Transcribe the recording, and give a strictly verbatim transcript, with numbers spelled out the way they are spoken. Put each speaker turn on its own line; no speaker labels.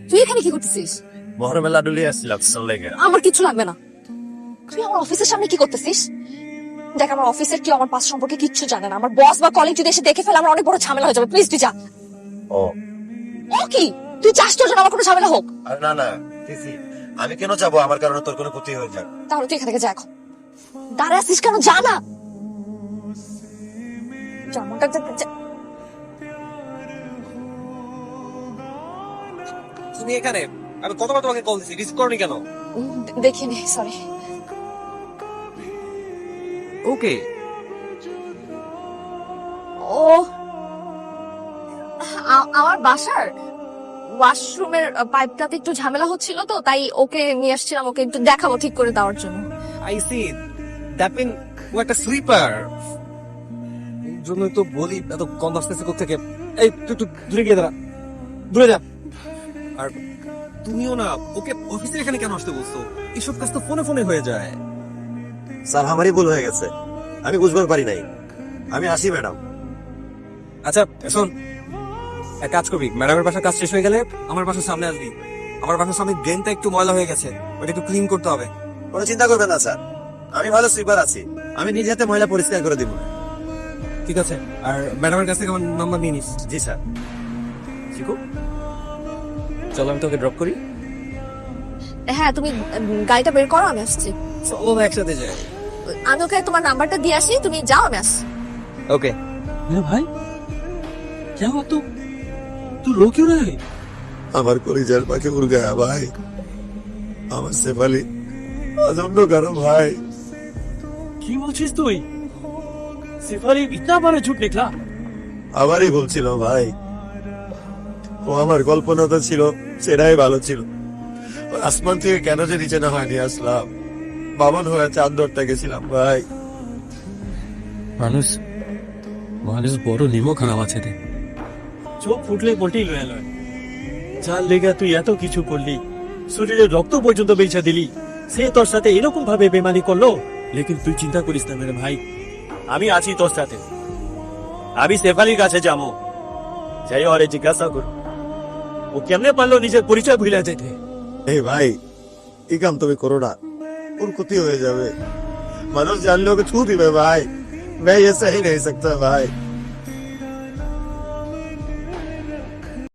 তুই এখানে কি করতেছিস?
মহরমের লাডু লিয়ে আসছিলাম লেগে।
আমার কিছু লাগবে না। তুই আমার অফিসের সামনে কি করতেছিস? দেখ, আমার অফিসের কেউ আমার পাস সম্পর্কে কিচ্ছু জানে না। আমার বস বা কলিগ যদি এসে দেখে ফেলে আমার অনেক বড় ঝামেলা হয়ে যাবে। প্লিজ তুই যা।
ও
ও কি? তুই চাস তোর জন্য আমার কোনো ঝামেলা হোক?
আর না না তিথি, আমি কেন যাবো? আমার কারণে তোর কোনো ক্ষতি হয়ে যাক।
তাহলে তুই এখান থেকে যা এখন। দাঁড়া আসিস কেন? যা না। যা, মনটা যা, যা।
তুমি এখানে? আমি কতবার তোমাকে কল দিছি, রিসিভ করনি কেন?
উম, দে- দেখিনি, সরি।
ওকে,
ও আ- আমার বাসার ওয়াশরুমের পাইপটাতে একটু ঝামেলা হচ্ছিল, তো তাই ওকে নিয়ে আসছিলাম, ওকে একটু দেখাবো ঠিক করে দেওয়ার জন্য।
I see. দ্যাট মিন ও একটা স্লিপার। জন্যই তো বলি এত গন্ধ আসতেছে কোত্থেকে। এই তুই একটু দূরে গিয়ে দাঁড়া, দূরে যা। আর তুমিও না, ওকে অফিসে এখানে কেন আসতে বলছো? এসব কাজ তো ফোনে ফোনে হয়ে যায়।
স্যার, আমারই ভুল হয়ে গেছে, আমি বুঝবার পারি নাই। আমি আসি ম্যাডাম।
আচ্ছা শোন, এক কাজ করবি, ম্যাডামের বাসার কাজ শেষ হয়ে গেলে আমার বাসার সামনে আসবি। আমার বাসার সামনে ড্রেনটা একটু ময়লা হয়ে গেছে, ওটা একটু ক্লিন করতে হবে।
কোনো চিন্তা করবেন না স্যার, আমি ভালো সুইপার আছি, আমি নিজে হাতে ময়লা পরিষ্কার করে দিব।
ঠিক আছে, আর ম্যাডামের কাছ থেকে আমার নাম্বার নিয়ে নিস।
জি স্যার।
শিখু, চলো আমি তোকে ড্রপ করি।
হ্যাঁ, তুমি উম, গাড়িটা বের করো, আমি আসছি।
চলো একসাথে যাই।
আমি ওকে তোমার নাম্বারটা দিয়ে আসি, তুমি যাও, আমি আসছি।
ओके।
मेरा भाई क्या हुआ? तू तू रो क्यों रहा है?
আমার কলিজার পাখি উড় গয়া ভাই, আমার শেফালি অজন্য করো ভাই।
কি বলছিস তুই? सिफाली इतना बड़ा झूठ निकला?
আমারই বলছিল ভাই, ও আমার কল্পনা তো ছিল সেটাই ভালো ছিল। ও আসমান থেকে কেন যে নিচে না হয়নি আসলাম, বামন হয়ে চাঁদ ধরতে গেছিলাম ভাই।
মানুষ মানুষ বড় নিমো খারাপ আছে রে। চোখ ফুটলে বটি লয়ে লয়। যার লেগা তুই এত কিছু করলি, শরীরে রক্ত পর্যন্ত বেচা দিলি, সে তোর সাথে এরকম ভাবে বেমানি করলো। লেকিন তুই চিন্তা করিস না মেরে ভাই, আমি আছি তোর সাথে। আমি শেফালির কাছে যাবো, যাই ওরে জিজ্ঞাসা করো ও কেমনে পারলো নিজের পরিচয় ভুলে যেতে।
এই ভাই, এই কাম তুমি করো না, ওর ক্ষতি হয়ে যাবে। মানুষ জানলে ওকে ছু দিবে ভাই। मैं ये सही नहीं सकता भाई।